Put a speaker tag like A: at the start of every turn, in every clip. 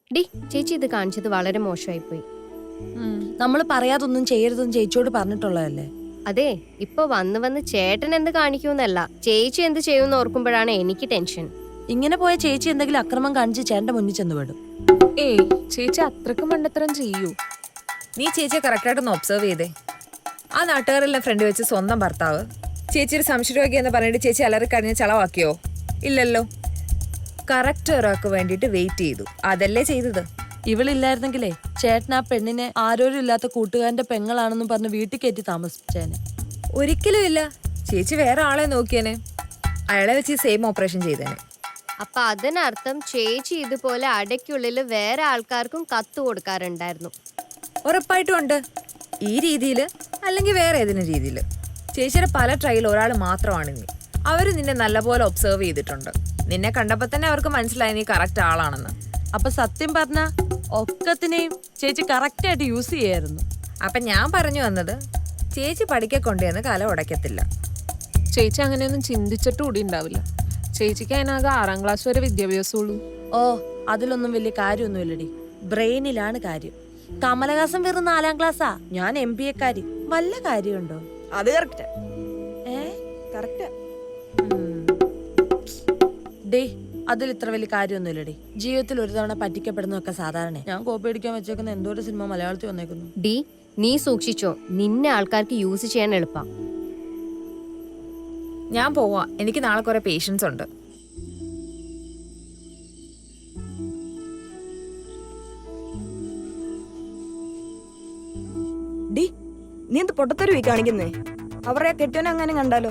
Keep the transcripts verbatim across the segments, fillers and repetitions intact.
A: D ചേച്ചി ഇത് കാണിച്ചത് വളരെ മോശമായി പോയി.
B: നമ്മൾ പറയാതൊന്നും ചെയ്യരുതെന്ന് ചേച്ചിയോട് പറഞ്ഞിട്ടുള്ളതല്ലേ.
A: അതെ, ഇപ്പൊ വന്ന് വന്ന് ചേട്ടൻ എന്ത് കാണിക്കൂന്നല്ല, ചേച്ചി എന്ത് ചെയ്യുമെന്ന് ഓർക്കുമ്പോഴാണ് എനിക്ക് ടെൻഷൻ.
B: ഇങ്ങനെ പോയ ചേച്ചി എന്തെങ്കിലും അക്രമം കാണിച്ച് ചേട്ടന്റെ മുന്നിൽ ചെന്ന് വിടും.
C: ഏയ് ചേച്ചി അത്രക്ക് മണ്ടത്തരം ചെയ്യൂ.
D: നീ ചേച്ചിയെ കറക്റ്റായിട്ടൊന്ന് ഒബ്സർവ് ചെയ്തേ. ആ നാട്ടുകാരെല്ലാം ഫ്രണ്ട് വെച്ച് സ്വന്തം ഭർത്താവ് ചേച്ചിയുടെ സംശയരോഗി എന്ന് പറഞ്ഞിട്ട് ചേച്ചി അലറി കഴിഞ്ഞ് ചളവാക്കിയോ? ഇല്ലല്ലോ. കറക്റ്റ് ഒരാൾക്ക് വേണ്ടിയിട്ട് വെയിറ്റ് ചെയ്തു, അതല്ലേ ചെയ്തത്.
B: ഇവളില്ലായിരുന്നെങ്കിലേ ചേട്ടൻ ആ പെണ്ണിനെ ആരോരും ഇല്ലാത്ത കൂട്ടുകാരന്റെ പെങ്ങളാണെന്ന് പറഞ്ഞ് വീട്ടിൽ കയറ്റി താമസിപ്പിച്ചേനെ.
D: ഒരിക്കലും ഇല്ല. ചേച്ചി വേറെ ആളെ നോക്കിയേനെ, അയാളെ വെച്ച് സെയിം ഓപ്പറേഷൻ ചെയ്തേനെ.
A: അപ്പൊ അതിനർത്ഥം ചേച്ചി ഇതുപോലെ അടയ്ക്കുള്ളിൽ വേറെ ആൾക്കാർക്കും കത്ത് കൊടുക്കാറുണ്ടായിരുന്നു.
D: ഉറപ്പായിട്ടും ഉണ്ട്. ഈ രീതിയിൽ അല്ലെങ്കിൽ വേറെ ഏതെങ്കിലും രീതിയിൽ. ചേച്ചിയുടെ പല ട്രയൽ ഒരാൾ മാത്രമാണ് നീ. അവർ നിന്നെ നല്ലപോലെ ഒബ്സർവ് ചെയ്തിട്ടുണ്ട്. നിന്നെ കണ്ടപ്പോൾ തന്നെ അവർക്ക് മനസ്സിലായി നീ കറക്റ്റ് ആളാണെന്ന്.
B: അപ്പൊ സത്യം പറഞ്ഞ ഒക്കത്തിനെയും ചേച്ചി കറക്റ്റായിട്ട് യൂസ് ചെയ്യായിരുന്നു.
D: അപ്പം ഞാൻ പറഞ്ഞു വന്നത്, ചേച്ചി പഠിക്കെ കൊണ്ടുവന്ന് കല ഉടയ്ക്കത്തില്ല.
C: ചേച്ചി അങ്ങനെയൊന്നും ചിന്തിച്ചിട്ട് കൂടി ഉണ്ടാവില്ല. ചേച്ചിക്ക് അതിനാകെ ആറാം ക്ലാസ് വരെ വിദ്യാഭ്യാസമുള്ളൂ.
B: ഓ, അതിലൊന്നും വലിയ കാര്യമൊന്നുമില്ലടി. ബ്രെയിനിലാണ് കാര്യം. കമലഹാസൻ വെറും നാലാം ക്ലാസ്സാ, ഞാൻ എം ബി എക്കാരി. വല്ല കാര്യമുണ്ടോ?
E: അത് കറക്റ്റ്.
B: ഏ
E: കറക്റ്റ്.
B: ഡേ, അതിൽ ഇത്ര വലിയ കാര്യമൊന്നുമില്ലടി. ജീവിതത്തിൽ ഒരു തവണ പറ്റിക്കപ്പെടുന്നതൊക്കെ സാധാരണ. ഞാൻ കോപ്പി അടിക്കാൻ വെച്ചേക്കുന്ന എന്തോ ഒരു സിനിമ മലയാളത്തിൽ വന്നേക്കുന്നു.
A: ഡി നീ സൂക്ഷിച്ചോ, നിന്നെ ആൾക്കാർക്ക് യൂസ് ചെയ്യാൻ എളുപ്പം.
D: ഞാൻ പോവാ, എനിക്ക് നാളെ കുറെ പേഷ്യൻസ് ഉണ്ട്.
E: ഡി, നീ എന്ത് പൊട്ടത്തരവി കാണിക്കുന്നേ? അവരുടെ കെട്ടിയോനെ അങ്ങനെ കണ്ടാലോ?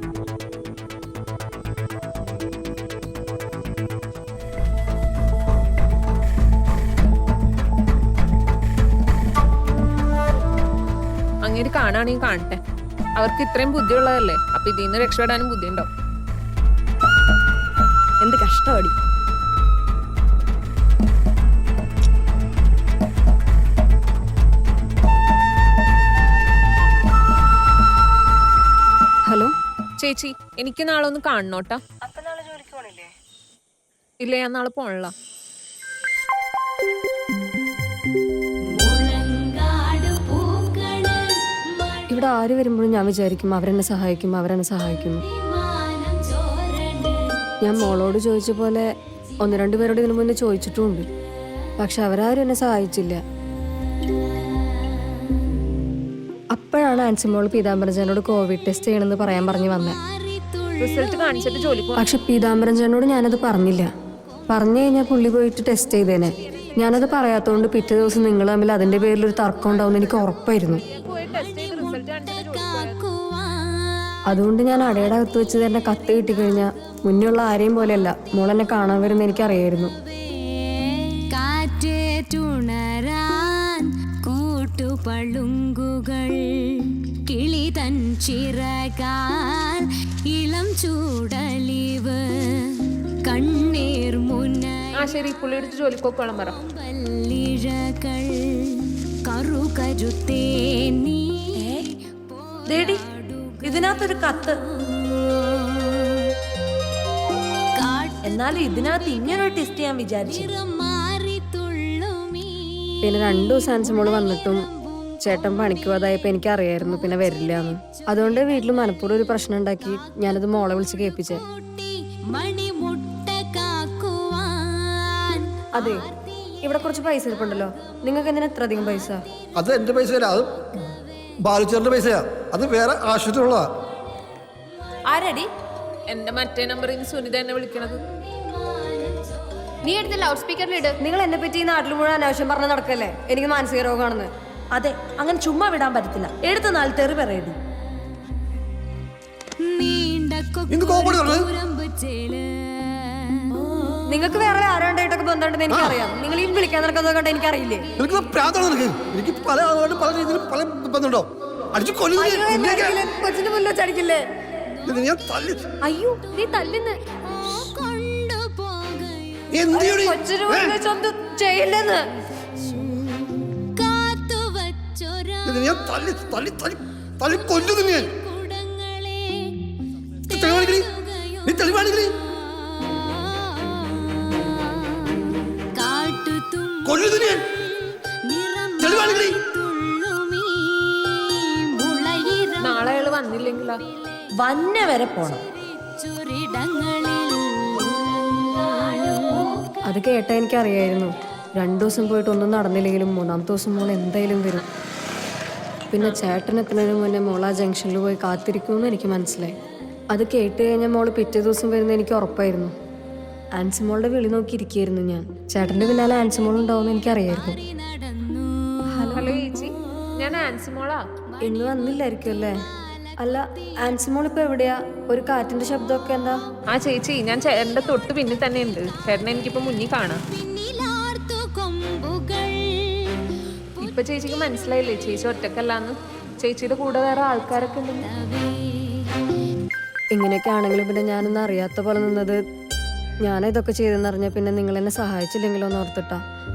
C: അങ്ങനെ കാണുകയാണെങ്കിൽ കാണട്ടെ. അവർക്ക് ഇത്രയും ബുദ്ധിയുള്ളതല്ലേ, അപ്പൊ ഇതിൽ നിന്ന് രക്ഷപ്പെടാനും ബുദ്ധി ഉണ്ടാവും.
E: എന്ത് കഷ്ടമാടി.
A: ഹലോ
C: ചേച്ചി, എനിക്ക് നാളെ ഒന്ന് കാണണോട്ടാ. ഇല്ല, ഞാൻ നാളെ പോണല്ല.
A: ഇവിടെ ആര് വരുമ്പോഴും ഞാൻ വിചാരിക്കും അവരെന്നെ സഹായിക്കും അവരെന്നെ സഹായിക്കും. ഞാൻ മോളോട് ചോദിച്ച പോലെ ഒന്ന് രണ്ടു പേരോട് ഇതിനു മുന്നേ ചോദിച്ചിട്ടുമുണ്ട്, പക്ഷെ അവരാരും എന്നെ സഹായിച്ചില്ല. അപ്പോഴാണ് ആൻസിമോൾ പീതാംബരജനോട് കോവിഡ് ടെസ്റ്റ് ചെയ്യണമെന്ന് പറയാൻ പറഞ്ഞു വന്നത്.
C: റിസൾട്ട് കാണിച്ചിട്ട് ജോലിക്ക്
A: പക്ഷെ പീതാംബരജനോട് ഞാനത് പറഞ്ഞില്ല. പറഞ്ഞു കഴിഞ്ഞാൽ പുള്ളി പോയിട്ട് ടെസ്റ്റ് ചെയ്തേനെ. ഞാനത് പറയാത്തതുകൊണ്ട് പിറ്റേ ദിവസം നിങ്ങൾ തമ്മിൽ അതിന്റെ പേരിൽ ഒരു തർക്കം ഉണ്ടാവും എനിക്ക് ഉറപ്പായിരുന്നു. അതുകൊണ്ട് ഞാൻ അടയുടെ അകത്ത് വെച്ച് തന്നെ കത്ത് കിട്ടിക്കഴിഞ്ഞാൽ മുന്നുള്ള ആരെയും പോലെയല്ല മോളെന്നെ കാണാൻ വരുന്ന എനിക്കറിയായിരുന്നു.
F: പളുങ്കുകൾ കിളി തൻ ചിറകാൽ ഇളം ചൂടലിവ് കണ്ണീർ മുന.
C: ആ ശരി, പുള്ളി എടുത്ത് ജോലിക്കോക്കോളം പറ.
F: പല്ലിഴകൾ കറു കരുത്തേ നീ.
B: ദേടി, ഇതിനകത്തൊരു കത്ത്. എന്നാലും ഇതിനകത്ത് ഇങ്ങനൊരു ടെസ്റ്റ് ഞാൻ വിചാരിച്ചു.
A: പിന്നെ രണ്ടു ദിവസം ആൻസിമോള് വന്നിട്ടും ചേട്ടൻ പണിക്ക് പോയതായപ്പോ എനിക്ക് അറിയായിരുന്നു പിന്നെ വരില്ല എന്ന്. അതുകൊണ്ട് വീട്ടിൽ മനപ്പൂർവ്വം ഒരു പ്രശ്നം ഉണ്ടാക്കി ഞാനത് മോളെ വിളിച്ച് കേൾപ്പിച്ചേ. അതെ, ഇവിടെ കുറച്ച് പൈസ ഇരിപ്പുണ്ടല്ലോ, നിങ്ങൾക്ക് എന്തിനാ എത്ര അധികം പൈസ?
G: അത് എന്റെ പൈസ അല്ല, അത് ബാലുച്ചേറിന്റെ പൈസയാ. അത് വേറെ ആശുപത്രിയുള്ളതാ.
B: ആരടി?
C: എന്റെ മറ്റേ നമ്പറിൽ നിന്ന് സുനിത എന്നെ വിളിക്കണത്.
A: നീ എടുത്ത് ലൗഡ് സ്പീക്കറിൽ ഇട്. നിങ്ങൾ എന്നെ പറ്റി ഈ നാട്ടിൽ മുഴുവൻ അനാവശ്യം പറഞ്ഞ നടക്കല്ലേ, എനിക്ക് മാനസിക രോഗമാണെന്ന്.
B: അതെ, അങ്ങനെ ചുമ്മാ വിടാൻ പറ്റത്തില്ല. എടുത്ത നാൾ തെറി പറയടി.
A: നിങ്ങൾക്ക് വേറെ ആരാണ്ടായിട്ടൊക്കെ ബന്ധമുണ്ടെന്ന് എനിക്കറിയാം. നിങ്ങൾ ഈ വിളിക്കാൻ നടക്കുന്നത് കണ്ട എനിക്കറിയില്ലേ?
G: എനിക്ക് പല ആളുകളും പല രീതിയിലും പല ബന്ധമുണ്ടോ? അടിച്ചു
A: കൊച്ചിന്റെ മുന്നിൽ വെച്ചടിക്കില്ലേ? അയ്യോ, നീ തല്ലുന്ന്. കൊച്ചിന് മുന്നിൽ വെച്ചൊന്ന് ചെയ്യില്ലെന്ന്.
G: തെളിവാണെങ്കിൽ
F: കാട്ടു
G: കൊല്ലുന്നു ഞാൻ. തെളിവാണെങ്കിലേ.
F: തുള്ളുമീ മുളയിരം
C: നാളെ അയാള് വന്നില്ലെങ്കിലാ?
B: വന്ന വരെ പോണം.
F: ചുരിടങ്ങളിൽ
A: അത് കേട്ടാ എനിക്കറിയായിരുന്നു രണ്ടു ദിവസം പോയിട്ട് ഒന്നും നടന്നില്ലെങ്കിലും മൂന്നാമത്തെ ദിവസം മോൾ എന്തായാലും വരും. പിന്നെ ചേട്ടൻ എത്തുന്നതിന് മുന്നേ മോൾ ആ ജംഗ്ഷനിൽ പോയി കാത്തിരിക്കുമെന്ന് എനിക്ക് മനസ്സിലായി. അത് കേട്ട് കഴിഞ്ഞാൽ മോള് പിറ്റേ ദിവസം വരുന്നത് എനിക്ക് ഉറപ്പായിരുന്നു. ആൻസിമോളുടെ വിളി നോക്കിയിരിക്കുകയായിരുന്നു ഞാൻ. ചേട്ടൻ്റെ പിന്നാലെ ആൻസിമോൾ ഉണ്ടാവുമെന്ന് എനിക്കറിയായിരുന്നു.
F: നടന്നു
C: ഹലോ ചേച്ചി, ഞാൻ ആൻസിമോളാ.
A: ഇന്ന് വന്നില്ലായിരിക്കും അല്ലേ? അല്ല, ആൻസിമോൾ ഇപ്പൊ എവിടെയാ? ഒരു കാറ്റിന്റെ ശബ്ദമൊക്കെ എന്താ?
C: ആ ചേച്ചി, ഞാൻ ചേട്ടന്റെ തൊട്ട് പിന്നിൽ തന്നെ ഉണ്ട്. ചേട്ടനെ എനിക്കിപ്പോ മുന്നിൽ കാണാം.
F: പിന്നിലാർത്തു കൊമ്പുകൾ
C: ഇപ്പൊ ചേച്ചിക്ക് മനസ്സിലായില്ലേ ചേച്ചി ഒറ്റക്കല്ലാന്ന്? ചേച്ചിയുടെ കൂടെ വേറെ ആൾക്കാരൊക്കെ ഉണ്ടെന്ന്.
A: ഇങ്ങനെയൊക്കെ ആണെങ്കിലും പിന്നെ ഞാനൊന്നും അറിയാത്ത പോലെ നിന്നത്, ഞാൻ ഇതൊക്കെ ചെയ്തെന്നറിഞ്ഞ പിന്നെ നിങ്ങൾ എന്നെ സഹായിച്ചില്ലെങ്കിലോ എന്ന് ഓർത്തിട്ടാ.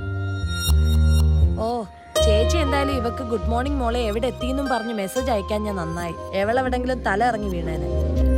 B: ഓ ചേച്ചി എന്തായാലും ഇവക്ക് ഗുഡ് മോർണിംഗ് മോളെ എവിടെ എത്തിയെന്നും പറഞ്ഞ് മെസ്സേജ് അയക്കാൻ ഞാൻ നന്നായി. എവളെവിടെങ്കിലും തല ഇറങ്ങി വീണേനെ.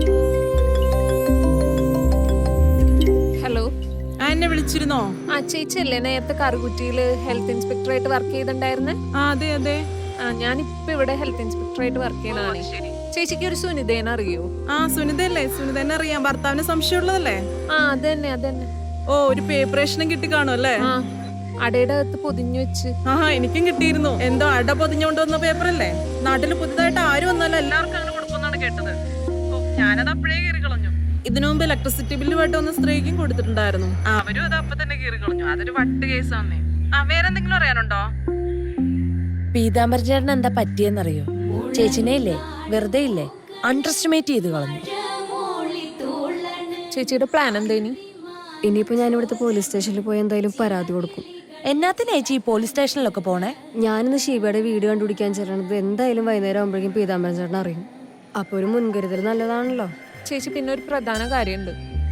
C: ഹലോ,
H: എന്നെ വിളിച്ചിരുന്നോ?
C: ആ ചേച്ചി അല്ലേ നേരത്തെ കറുകുറ്റിയില് ഹെൽത്ത് ഇൻസ്പെക്ടറായിട്ട് വർക്ക് ചെയ്തിട്ടുണ്ടായിരുന്നേ?
H: ആ അതെ അതെ.
C: ആ ഞാനിപ്പോ ഇവിടെ ഹെൽത്ത് ഇൻസ്പെക്ടറായിട്ട് വർക്ക് ചെയ്യുന്നതാണ്. ചേച്ചിക്ക് ഒരു സുനിതേനെ അറിയോ?
H: ആ സുനിതയല്ലേ? സുനിതന്നെ അറിയാം. ഭർത്താവിന് സംശയമുള്ളതല്ലേ?
C: ആ അതന്നെ അതന്നെ.
H: ഓ ഒരു പേപ്പറേഷനും കിട്ടി കാണും അല്ലേ?
C: ആ അടയുടെ അകത്ത് പൊതിഞ്ഞു വെച്ച്.
H: ആഹാ എനിക്കും കിട്ടിയിരുന്നു. എന്തോ അട പൊതിഞ്ഞോണ്ട് വന്ന പേപ്പറല്ലേ? നാട്ടിൽ പുതുതായിട്ട് ആരും വന്നാലും എല്ലാവർക്കും അങ്ങനെ കൊടുക്കുമെന്നാണ് കേട്ടത്. ഓ ഞാനത് അപ്പോഴേ കീറി കളഞ്ഞു. ഇതിനു മുമ്പ് ഇലക്ട്രിസിറ്റി ബില്ലുമായിട്ട് ഒന്ന് സ്ത്രീക്കും കൊടുത്തിട്ടുണ്ടായിരുന്നു. അവരും അത് അപ്പൊ തന്നെ കീറി കളഞ്ഞു. അതൊരു വട്ട് കേസാന്നേ. ആ വേറെന്തെങ്കിലും അറിയാനുണ്ടോ?
B: പീതാംബര ചേട്ടൻ എന്താ പറ്റിയെന്നറിയോ? ചേച്ചിനെ ഇല്ലേ വെറുതെ ഇല്ലേ അണ്ടർ എസ്റ്റിമേറ്റ് ചെയ്ത് കളഞ്ഞു.
C: ചേച്ചിയുടെ പ്ലാൻ എന്തേനി?
A: ഇനിയിപ്പോ ഞാൻ ഇവിടുത്തെ പോലീസ് സ്റ്റേഷനിൽ പോയി എന്തായാലും പരാതി കൊടുക്കും.
B: എന്നാത്തിനാ ചേച്ചി ഈ പോലീസ് സ്റ്റേഷനിലൊക്കെ പോണേ?
A: ഞാനിന്ന് ഷീബയുടെ വീട് കണ്ടുപിടിക്കാൻ ചേരണത് എന്തായാലും വൈകുന്നേരം ആകുമ്പോഴേക്കും പീതാംബരൻ ചേട്ടൻ അറിയും. അപ്പൊ ഒരു മുൻകരുതൽ നല്ലതാണല്ലോ.
C: ചേച്ചി പിന്നെ ഒരു പ്രധാന കാര്യമുണ്ട്.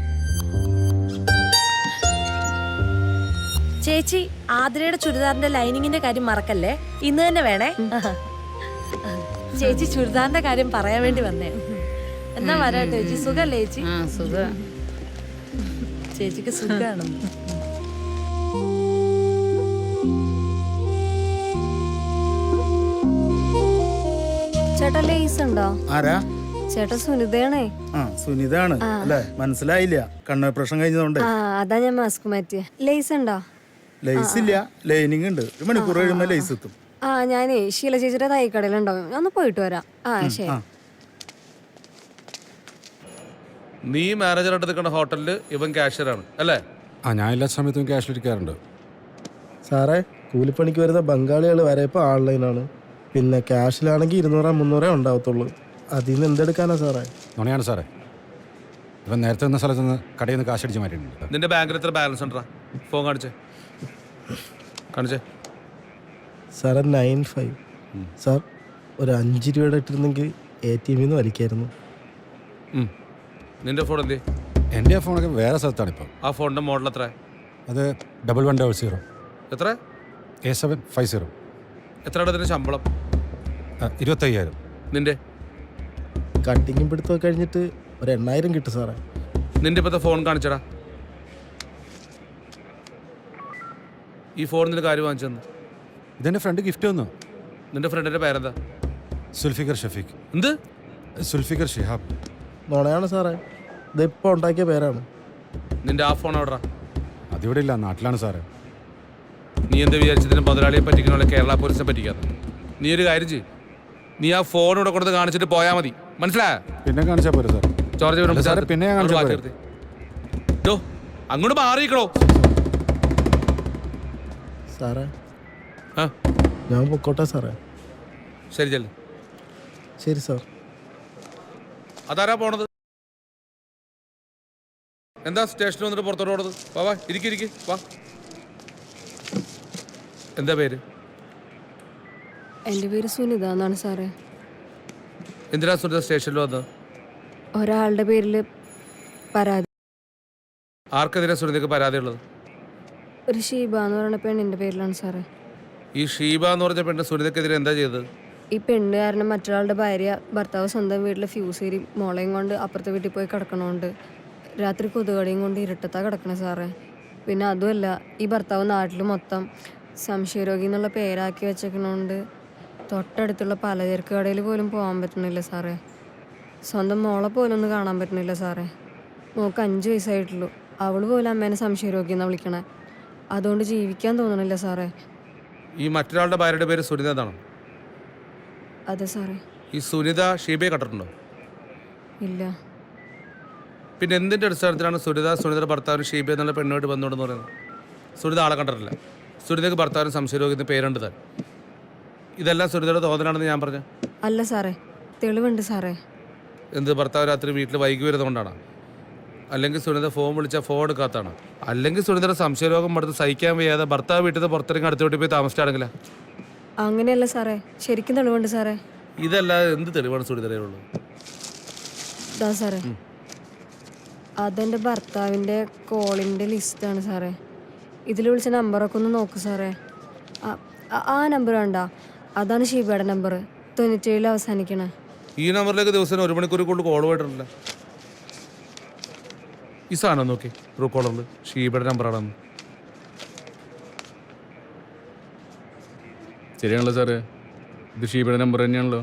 B: ചേച്ചി ആതിരയുടെ ചുരിദാറിന്റെ ലൈനിങ്ങിന്റെ കാര്യം മറക്കല്ലേ. ഇന്ന് തന്നെ വേണേ. ചേച്ചി ചുരിദാറിന്റെ കാര്യം പറയാൻ വേണ്ടി വന്നേ. എന്നാ വരാട്ടോ ചേച്ചി. സുഖല്ലേ ചേച്ചി? ചേച്ചിക്ക് സുഖാണ്.
A: ചേട്ടാ ലേസ് ഉണ്ടോ?
I: ആരാ?
A: ചേട്ടാ സുനിതയാണേ.
I: ആ സുനിതാണ് അല്ലേ? മനസ്സിലായില്ല, കണ്ണോപ്പറേഷൻ കഴിഞ്ഞതുകൊണ്ട്.
A: ആ അതാ ഞാൻ മാസ്ക് മാറ്റിയ. ലേസ് ഉണ്ടോ?
I: ലൈസ് ഇല്ല, ലൈനിങ് ഉണ്ട്. ഒരു മണിക്കൂർ കഴിയുമ്പോ ലൈസ് എത്തും.
A: ആ ഞാനേ ശീല ചേച്ചിയുടെ തൈക്കടയിലുണ്ടാവും. ഞാൻ ഒന്ന് പോയിട്ട് വരാം. ആ ശരി.
J: നീ മാനേജറായിട്ട് നിൽക്കുന്ന ഹോട്ടലിൽ ഇവൻ കാഷ്യറാണ് അല്ലേ?
K: ആ ഞാൻ എല്ലാ സമയത്തും ക്യാഷിലിരിക്കാറുണ്ട്.
L: സാറേ കൂലിപ്പണിക്ക് വരുന്ന ബംഗാളികൾ വരെ ഇപ്പോൾ ഓൺലൈനാണ്. പിന്നെ ക്യാഷിലാണെങ്കിൽ ഇരുന്നൂറോ മുന്നൂറേ ഉണ്ടാവത്തുള്ളൂ. അതിൽ നിന്ന് എന്തെടുക്കാനാ സാറേ?
K: നുണയാണ് സാറേ. ഇവൻ നേരത്തെ നിന്ന സ്ഥലത്ത് നിന്ന് കടയിൽ നിന്ന് കാശടിച്ച് മാറ്റിയിട്ടുണ്ട്.
J: നിന്റെ ബാങ്കിൽ എത്ര ബാലൻസ് ഉണ്ടാ? ഫോൺ കാണിച്ചേ കാണിച്ചേ.
L: സാറേ നയൻ ഫൈവ്. സാർ ഒരു അഞ്ച് രൂപയുടെ ഇട്ടിരുന്നെങ്കിൽ എ ടി എമ്മിൽ നിന്ന് വലിക്കായിരുന്നു.
J: നിന്റെ ഫോൺ എന്തേ?
K: എൻ്റെ ആ ഫോണൊക്കെ വേറെ സ്ഥലത്താണ് ഇപ്പം.
J: ആ ഫോണിന്റെ മോഡൽ എത്ര?
K: അത് ഡബിൾ വൺ ഡബിൾ സീറോ
J: എത്ര?
K: A seven five zero.
J: എത്രയുടെ അതിന്റെ ശമ്പളം?
K: ഇരുപത്തയ്യായിരം.
J: നിന്റെ
L: കട്ടിങ്ങും പിടുത്തമൊക്കെ കഴിഞ്ഞിട്ട് ഒരു എണ്ണായിരം കിട്ടും സാറേ.
J: നിന്റെ ഇപ്പോഴത്തെ ഫോൺ കാണിച്ചടാ. ഈ ഫോൺ നിന്റെ കാര്യം വാങ്ങിച്ചെന്ന്?
K: ഇതെൻ്റെ ഫ്രണ്ട് ഗിഫ്റ്റ് വന്നു.
J: നിന്റെ ഫ്രണ്ടിന്റെ പേരെന്താ?
K: സുൽഫിക്കർ ഷഫീഖ്.
J: എന്ത്?
K: സുൽഫിക്കർ ഷിഹാബ്.
L: നുണയാണ് സാറേ, ഇതിപ്പോൾ ഉണ്ടാക്കിയ പേരാണ്.
J: നിന്റെ ആ ഫോൺ എവിടാ?
K: അതിവിടെ ഇല്ല, നാട്ടിലാണ് സാറേ.
J: നീ എന്താ വിചാരിച്ചതിന് മുതലാളിയെ പറ്റിക്കണ കേരള പോലീസിനെ പറ്റിക്കാത്ത? നീ ഒരു കാര്യം ചെയ്യ്, നീ ആ ഫോൺ ഇവിടെ കൊടുത്ത് കാണിച്ചിട്ട് പോയാൽ മതി. മനസ്സിലായോ?
K: പിന്നെ കാണിച്ചാൽ പോരെ സാർ.
J: ചോർജ്
K: പിന്നെ ഞാൻ
J: അങ്ങോട്ട് മാറിയിക്കണോ
L: സാറേ?
J: ആ
L: ഞാൻ പൊക്കോട്ടെ സാറേ.
J: ശരി ചെല്ലു.
L: ശരി സാർ.
J: അതാരാ പോണത്? എന്താ സ്റ്റേഷനിൽ വന്നിട്ട് പുറത്തോട്ട് പോണത്? വാ വാ ഇരിക്കി ഇരിക്കി വാ. എന്താ പേര്?
A: എൻ്റെ പേര് സുനിത എന്നാണ് സാറേ.
J: എന്തിനാ സുനിത സ്റ്റേഷനിൽ വന്നത്?
A: ഒരാളുടെ പേരിൽ പരാതി.
J: ആർക്കെതിരെ സുനിതയ്ക്ക് പരാതി ഉള്ളത്?
A: ഒരു ഷീബ എന്ന് പറയുന്ന പെണ്ണിൻ്റെ പേരിലാണ് സാറേ.
J: ഈ ഷീബ എന്ന് പറഞ്ഞ പെണ്ണ് സുനിതയ്ക്കെതിരെ എന്താ ചെയ്തത്?
A: ഈ പെണ്ണ് കാരണം മറ്റൊരാളുടെ ഭാര്യ ഭർത്താവ് സ്വന്തം വീട്ടിൽ ഫ്യൂസ് ഏരി മോളയും കൊണ്ട് അപ്പുറത്തെ വീട്ടിൽ പോയി കിടക്കണോണ്ട് രാത്രി കൊതുകടിയും കൊണ്ട് ഇരുട്ടത്താ കിടക്കണേ സാറേ. പിന്നെ അതുമല്ല, ഈ ഭർത്താവ് നാട്ടിൽ മൊത്തം സംശയരോഗി എന്നുള്ള പേരാക്കി വെച്ചേക്കണോണ്ട് തൊട്ടടുത്തുള്ള പലചരക്ക് കടയിൽ പോലും പോകാൻ പറ്റണില്ല സാറേ. സ്വന്തം മോളെ പോലും ഒന്ന് കാണാൻ പറ്റണില്ല സാറേ. മോൾക്ക് അഞ്ച് വയസ്സായിട്ടുള്ളൂ. അവൾ പോലും അമ്മേനെ സംശയരോഗി എന്നാണ് വിളിക്കണേ. അതുകൊണ്ട് ജീവിക്കാൻ തോന്നണില്ല സാറേ.
J: ഈ മറ്റൊരാളുടെ ഭാര്യയുടെ പേര് സുനിത എന്നാണ്.
A: അതെ സാറേ.
J: ഈ സുനിത ഷീബയെ കണ്ടിട്ടുണ്ടോ?
A: ഇല്ല.
J: പിന്നെ എന്തിൻ്റെ അടിസ്ഥാനത്തിലാണ് സുനിത സുനിതയുടെ ഭർത്താവിന് ഷീബ എന്നുള്ള പെണ്ണുമായിട്ട് ബന്ധമുണ്ടെന്ന് പറയുന്നത്? സുനിത ആളെ കണ്ടിട്ടില്ല. സുനിതയ്ക്ക് ഭർത്താവിന് സംശയരോഗി എന്ന് പേരുണ്ട് താൻ. ഇതെല്ലാം സുനിതയുടെ തോന്നലാണെന്ന് ഞാൻ പറഞ്ഞു.
A: അല്ല സാറേ, തെളിവുണ്ട് സാറേ.
J: എന്ത്, ഭർത്താവ് രാത്രി വീട്ടിൽ വൈകി വരുന്നതുകൊണ്ടാണ്? അല്ലെങ്കിൽ സുനിത ഫോൺ വിളിച്ചാൽ ഫോൺ എടുക്കാത്തതാണ്? അല്ലെങ്കിൽ സുനിതയുടെ സംശയരോഗം അടുത്ത് സഹിക്കാൻ വയ്യാതെ ഭർത്താവ് വീട്ടിൽ നിന്ന് പുറത്തിറങ്ങി അടുത്ത വീട്ടിൽ പോയി താമസിച്ചാണെങ്കിലാ?
A: അങ്ങനെയല്ല സാറേ, ശരിക്കും തെളിവുണ്ട് സാറേ.
J: ഇതല്ലാതെ എന്ത് തെളിവാണ് സുനിതയുള്ളത്?
A: ഇതാ സാറേ, അതെൻ്റെ ഭർത്താവിൻ്റെ കോളിൻ്റെ ലിസ്റ്റാണ് സാറേ. ഇതിൽ വിളിച്ച നമ്പറൊക്കെ ഒന്ന് നോക്കൂ സാറേ. ആ- ആ നമ്പർ വേണ്ട, അതാണ് ഷീബയുടെ നമ്പർ, തൊണ്ണൂറ്റേഴിൽ അവസാനിക്കണേ.
J: ഈ നമ്പറിലേക്ക് ദിവസം ഒരു മണിക്കൂർ കൊണ്ട് കോൾ പോയിട്ടില്ല. ഈ സാധനം നോക്കി, ട്രൂ കോളറിൽ ഷീബയുടെ നമ്പറാണെന്ന്.
K: ശരിയാണല്ലോ സാറേ, ഇത് ഷീബയുടെ നമ്പർ തന്നെയാണല്ലോ.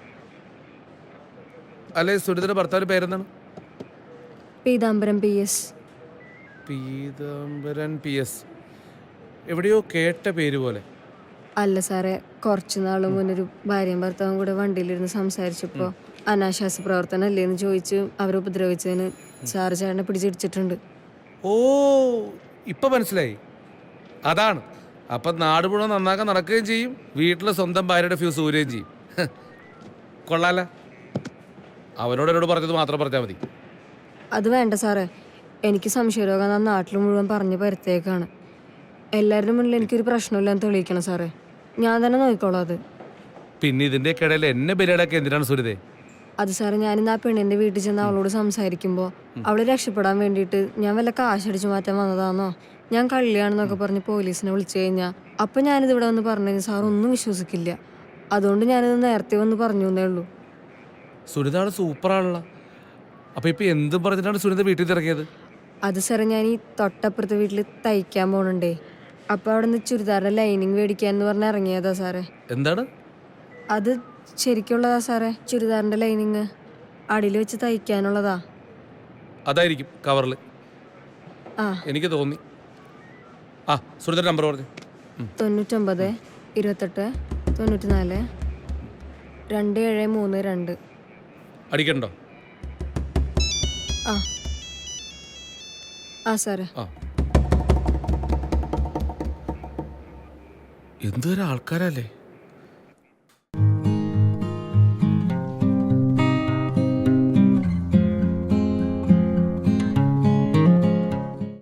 J: അല്ലെ, സുനിതയുടെ ഭർത്താവിൻ്റെ പേരെന്താണ്?
A: Peethambaram P S.
J: Peethambaran P S. എവിടെയോ കേട്ട പേര് പോലെ.
A: അല്ല സാറേ, കുറച്ച് നാൾ മുന്നൊരു ഭാര്യയും ഭർത്താവും കൂടെ വണ്ടിയിലിരുന്ന് സംസാരിച്ചപ്പോൾ അനാശാസ പ്രവർത്തനം അല്ലേ എന്ന് ചോദിച്ച് അവരെ ഉപദ്രവിച്ചതിന് സാറ് ചേട്ടനെ പിടിച്ചിടിച്ചിട്ടുണ്ട്.
J: ഓ, ഇപ്പൊ മനസ്സിലായി. അതാണ്. അപ്പം നാട് മുഴുവൻ നന്നാക്കാൻ നടക്കുകയും ചെയ്യും, വീട്ടിലെ സ്വന്തം ഭാര്യയുടെ ഫ്യൂസ് ഊരുകയും ചെയ്യും. കൊള്ളാല. അവനോട് എന്നോട് പറഞ്ഞത് മാത്രം പറഞ്ഞാൽ മതി.
A: അത് വേണ്ട സാറേ, എനിക്ക് സംശയരോഗം ആ നാട്ടിൽ മുഴുവൻ പറഞ്ഞ് പരത്തേക്കാണ്. എല്ലാവരുടെ മുന്നിൽ എനിക്കൊരു പ്രശ്നമില്ലെന്ന് തെളിയിക്കണം സാറേ. ഞാൻ തന്നെ നോക്കിക്കോളാം അത്.
J: പിന്നെ ഇതിൻ്റെ ഇടയിൽ എന്നെ ബലിയാടാക്കി എന്തിനാണ് സുനിതേ?
A: അത് സാറേ, ഞാനിന്ന് ആ പെണ്ണിൻ്റെ വീട്ടിൽ ചെന്ന് അവളോട് സംസാരിക്കുമ്പോൾ അവളെ രക്ഷപ്പെടാൻ വേണ്ടിയിട്ട് ഞാൻ വല്ല കാശടിച്ചു മാറ്റാൻ വന്നതാണോ, ഞാൻ കള്ളിയാണെന്നൊക്കെ പറഞ്ഞ് പോലീസിനെ വിളിച്ചു കഴിഞ്ഞാൽ അപ്പം ഞാനിത് ഇവിടെ വന്ന് പറഞ്ഞു സാർ ഒന്നും വിശ്വസിക്കില്ല. അതുകൊണ്ട് ഞാനിത് നേരത്തെ വന്ന് പറഞ്ഞു എന്നേ ഉള്ളൂ.
J: സുനിതാണ് സൂപ്പറാണല്ലോ. അപ്പം ഇപ്പം എന്തും പറഞ്ഞിട്ടാണ് സുനിത വീട്ടിൽ നിന്ന് ഇറങ്ങിയത്?
A: അത് സാറേ, ഞാൻ ഈ തൊട്ടപ്പുറത്തെ വീട്ടിൽ തയ്ക്കാൻ പോകണുണ്ടേ. അപ്പോൾ അവിടെ നിന്ന് ചുരിദാറിൻ്റെ ലൈനിങ് മേടിക്കാൻ എന്ന് പറഞ്ഞ് ഇറങ്ങിയതാ സാറേ.
J: എന്താണ്
A: അത്? ശരിക്കുള്ളതാ സാറേ, ചുരിദാറിൻ്റെ ലൈനിങ് അടിയിൽ വെച്ച് തയ്ക്കാനുള്ളതാ.
J: അതായിരിക്കും കവറിൽ.
A: ആ,
J: എനിക്ക് തോന്നി. ആ, സുനിതയുടെ നമ്പർ പറഞ്ഞു.
A: തൊണ്ണൂറ്റൊമ്പത് ഇരുപത്തെട്ട് തൊണ്ണൂറ്റി നാല് രണ്ട് ഏഴ് മൂന്ന് രണ്ട്.
J: അടിക്കണ്ടോ?
A: ആ ആ സാറേ.
J: ആ, എന്തൊരു ആൾക്കാരല്ലേ.